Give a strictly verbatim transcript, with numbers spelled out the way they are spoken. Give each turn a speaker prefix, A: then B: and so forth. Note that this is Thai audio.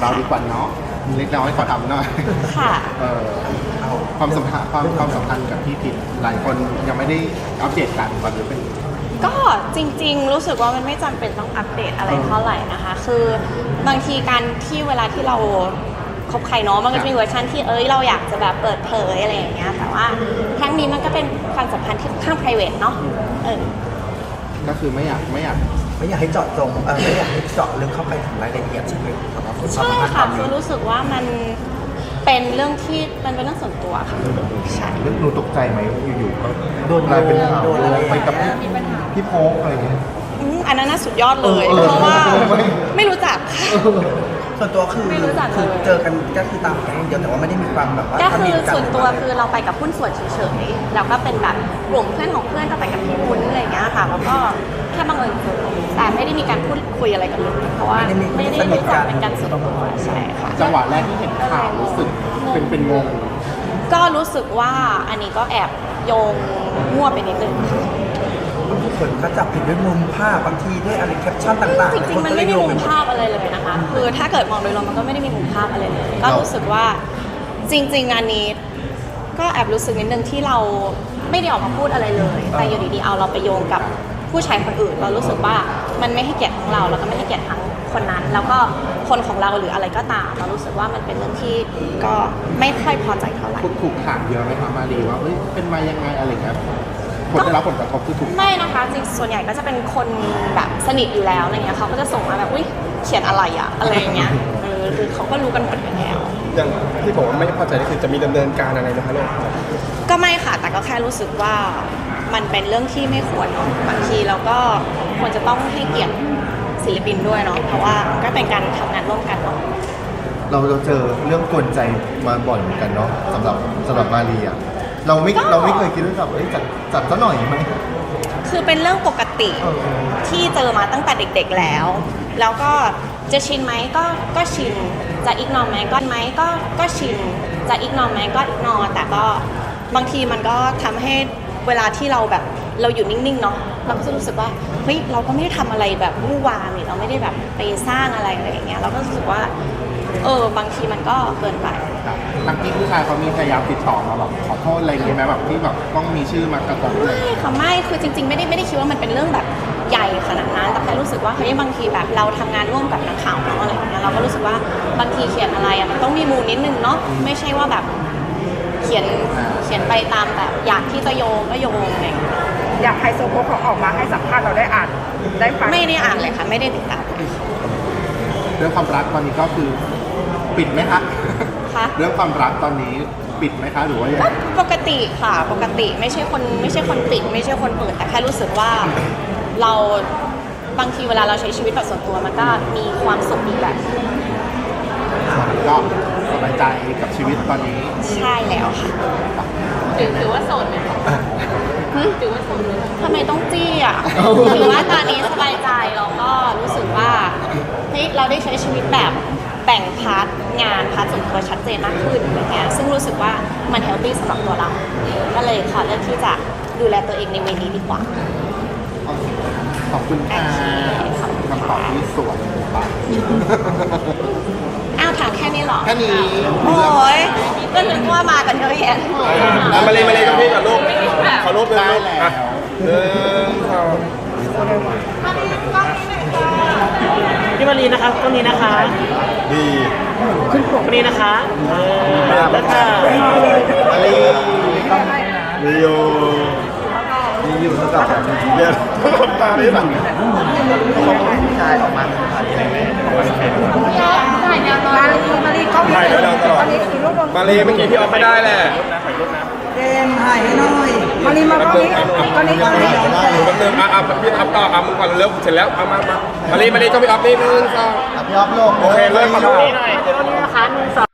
A: เราดีกว่าเนาะเล็กน้อยขอทำหน่อย
B: ค่ะ
A: เออความสัมพันธ์ความความสัมพันธ์กับพี่พิษหลายคนยังไม่ได้อัปเดตกันว่าจะเป็น
B: ก็จริงๆรู้สึกว่ามันไม่จำเป็นต้องอัปเดตอะไรเท่าไหร่นะคะ คือบางทีการที่เวลาที่เราคบใครเนาะมันก็จะมีเวอร์ชันที่เอ้ยเราอยากจะแบบเปิดเผยอะไรอย่างเงี้ยแต่ว่าครั้งนี้มันก็เป็นความสัมพันธ์ที่ค่อนข้าง private เนาะเออ
A: ก็คือไม่อยากไม่อยาก
C: ไม่อยากให้เจาะจงเออไม่อยากให้เจาะลึกเข้าไปถึงรายละเอียดใช่ไหมสำหรับความสัม
B: ใช่
C: พันธ์ต
B: ค่ะ
C: อน
B: คื
C: นี้
B: อรู้สึกว่ามันเป็นเรื่องที่มันเป็นเรื่องส่วนตัวค่ะใช่
A: เรื่องหนูตกใจไหมอยู่ๆก็โดนกลายเป็นข่าวไปกับพี่โพกอะไรอย่างเงี้ย
B: อืมอันนั้นน่าสุดยอดเลย
A: เออเออ
B: เพราะว่า
A: เออไม่
B: ไม่รู้จักค่ะ
C: ส่วนตัวคือ
B: ไม่รู้จักเลย
C: คือเจอกันก็คือตามแก๊งเดียวแต่ว่าไม่ได้มีความแบบว่า
B: ก็
C: ส
B: คื
C: นิ
B: อ
C: ทกัน
B: ส่วนตัว
C: หรื
B: คือ
C: อ
B: เราไปกับหุ้นส่วนเฉยๆแล้วก็เป็นแบบกลุ่มเพื่อนของเพื่อนก็ไปกับพี่วุ้นอะไรอย่างเงี้ยค่ะแล้วก็แค่บังเอิญเจอแต่ไม่ได้มีการพูดคุยอะไรกันเลยเพราะว่าไม่ได้รู้จักเป็นการส่วนตัวใช่ค่ะ
A: จังหวะแรกที่เห็นข่าวรู้สึกเป็นเป็นงง
B: ก็รู้สึกว่าอันนี้ก็แอบโยงมั่วไปนิดนึงค่ะ
C: คนเขาจับผิดด้วยมุมภาพบางทีด้วยอะไรแคปชั่นต่างๆ
B: จริงๆมันไม่มีมุมภาพอะไรเลยนะคะ คือถ้าเกิดมองโดยรวมมันก็ไม่ได้มีมุมภาพอะไรเลย ก็รู้สึกว่าจริงๆงานนี้ก็แอบรู้สึกนิดนึงที่เราไม่ได้ออกมาพูดอะไรเลย แต่อยู่ดีๆเอาเราไปโยงกับผู้ชายคนอื่น เรารู้สึกว่ามันไม่ให้เกียรติทั้งเราแล้วก็ไม่ให้เกียรติทั้งคนนั้น แล้วก็คนของเราหรืออะไรก็ตาม เรารู้สึกว่ามันเป็นเรื่องที่ก็ไม่ค่อยพอใจเท่าไหร่
A: ถูกถูกถามเยอะไหมคะมารีว่าเอ้ยเป็นมายังไงอะไรเงี้ยผลได้รับผลกระทบคือถูก
B: ไม่นะคะจริงส่วนใหญ่ก็จะเป็นคนแบบสนิทอยู่แล้วอะไรเงี้ยเขาก็จะส่งมาแบบอุ้ยเขียนอะไรอะอะไรอย่างเงี้ยเออคือเขาก็รู้กันหมดอยู่แล้ว
D: อย่างที่บอกว่าไม่พอใจนี่คือจะมีดำเนินการอะไรนะคะลูก
B: ก็ไม่ค่ะแต่ก็แค่รู้สึกว่ามันเป็นเรื่องที่ไม่ควรเนาะบางทีเราก็ควรจะต้องให้เกียรติศิลปินด้วยเนาะเพราะว่าก็เป็นการทำงานร่วมกันเนาะ
A: เราเราเจอเรื่องกวนใจมาบ่อยเหมือนกันเนาะสำหรับสำหรับมารีอ่ะเราไม่เราไม่เคยคิดว่าแบบเอ้ยจัดจัดซะหน่อยไหม
B: คือเป็นเรื่องปกติ
A: เออ
B: ที่เจอมาตั้งแต่เด็กๆแล้ว แล้วก็จะชินไหมก็ก็ชินจะอีกนอไหมก็ไหมก็ก็ชินจะอีกนอไหมก็อีกนอแต่ก็บางทีมันก็ทำให้เวลาที่เราแบบเราอยู่นิ่งๆเนาะเราก็จะรู้สึกว่าเฮ้ยเราก็ไม่ได้ทำอะไรแบบวุ่นวามนี่เราไม่ได้แบบไปสร้างอะไรอะไรอย่างเงี้ยเราก็รู้สึกว่าเออบางทีมันก็เกินไป
A: ทั้งที่ผู้ชายเขามีพยายามติดต่อมาแบบขอโทษอะไรอย่างเงี้ยไหมแบบที่แบบต้องมีชื่อมากระทบเลย
B: ไม่ค่ะไม่คือจริงๆไม่ได้ไม่ได้คิดว่ามันเป็นเรื่องแบบใหญ่ขนาดนั้นแต่แค่รู้สึกว่าเฮ้ยบางทีแบบเราทำงานร่วมกับนักข่าวเนาะอะไรอย่างเงี้ยเราก็รู้สึกว่าบางทีเขียนอะไรอะมันต้องมีมูลนิดนึงเนาะไม่ใช่ว่าแบบเขียนเขียนไปตามแบบอยากที่จะโยงก็โยงอะไรอย่างเงี้ย
E: อยากไฮโซโพกเขาออกมาให้สัมภาษณ์เราได้อ่านได้ฟัง
B: ไม่ได้อ่านเลยค่ะไม่ได้ติดตาม
A: เรื่องความรักตอนนี้ก็คือปิดไหมคะ
B: ค่ะ
A: เรื่องความรักตอนนี้ปิดไหมคะหรือว่ายัง
B: ก็
A: ไง
B: ปกติค่ะปกติไม่ใช่คนไม่ใช่คนปิดไม่ใช่คนเปิดแต่แค่รู้สึกว่าเราบางทีเวลาเราใช้ชีวิตแบบส่วนตัวมันก็มีความสุขอีกแบบ
A: ก็สบายใจกับชีวิตตอนนี้
B: ใช่แล้วค่ะ
F: ถือถือว่าโสดไหมคะถือว่าโสดไหมคะ
B: ทำไมต้องจี้อ่ะ ถือว่าตอนนี้สบายใจเราก็รู้สึกว่าเฮ้ยเราได้ใช้ชีวิตแบบแบ่งพาร์ทงานพาร์ทส่วนตัวชัดเจนมากขึ้นอะไรเงี้ยซึ่งรู้สึกว่ามันเฮลตี้สำหรับตัวเรา ก็เลยขอเลือกที่จะดูแลตัวเองในเวนี้ดีกว่า
A: ขอบคุณค่ะ
B: โอเคขอบคุณ
A: คำตอบที่สวยปะ
B: อ้าวถามแค่นี้เหรอ
A: แค่นี้
B: โอ้ยก็นึกว่ามากันเยอะแยะ
D: อ่ะมาเลยมาเลยกับพี่กับลูกขอรูปหนึ่ง
A: ได้
D: ลูก
A: แล้ว
D: อ่ะหนึ่งสอง
G: พี่มารีนะคะตรงนี้นะคะ
D: ดี
G: ขึ้นปกนี้นะคะเออแล้วค่ะ
A: มารี
D: มีอยู่
C: มีอยู่เท่ากับ
D: เดี๋ยวตาดิหลัง
C: ผู้ชายออกมาเป็นผ่านอะไรไหม
E: มาลีมาลีเขา
D: ถ่ายด้วยเราตลอด
E: มาลีสีรูปลง
D: มาเลยเมื่อกี้พี่ออฟไม่ได้แหละ
E: เจมถ่ายให้หน่อยมาลีมาตรงนี้ตอนนี้ตอนนี้
D: แป๊บนึงอ่ะอ่ะพี่อัพต่ออ่ะมึงก่อนเร็วเสร็จแล้วเอามามามาเลยมาเลยก็พี่ออฟนี่หนึ่งสอง
A: พี่ออฟโลก
D: โอเคเริ่มมา
G: ตรงนี้หน่อยตรงนี้นะคะหนึ่งสอง